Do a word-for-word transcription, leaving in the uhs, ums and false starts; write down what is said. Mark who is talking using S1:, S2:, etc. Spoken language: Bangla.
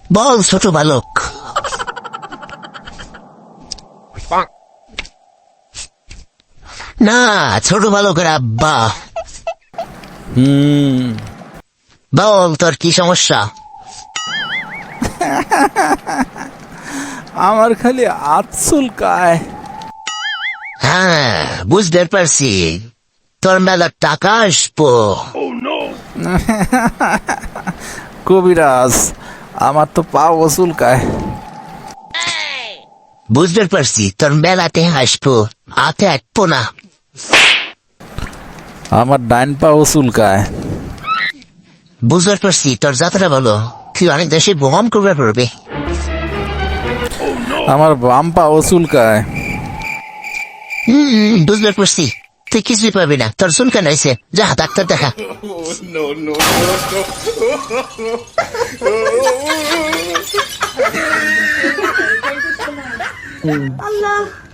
S1: বল ছোট বালক। না, ছোট বালকের আব্বা।
S2: হুম
S1: বল তোর কি সমস্যা?
S2: আমার খালি হাত চুলকায়।
S1: হ্যাঁ, বুঝতে পারছি, তোর মেলা টাকা আসবো।
S2: কবিরাজ, আমার তো পাও চুলকায়।
S1: বুঝতে পারছি, তোর মেলাতে আসবো, হাতে আসবো না।
S2: আমার ডাইন পাও চুলকায়।
S1: বুঝতে পারছি, তোর যাত্রা বলো, তুই অনেক দেশে ভ্রমণ করবে পারবে।
S2: আমার বাম পাও চুলকায়।
S1: হম বুঝতে পারছি, তুই কিছুই পাবি না, তোর চুলকান হয়েছে, যা ডাক্তার দেখা।
S3: Allah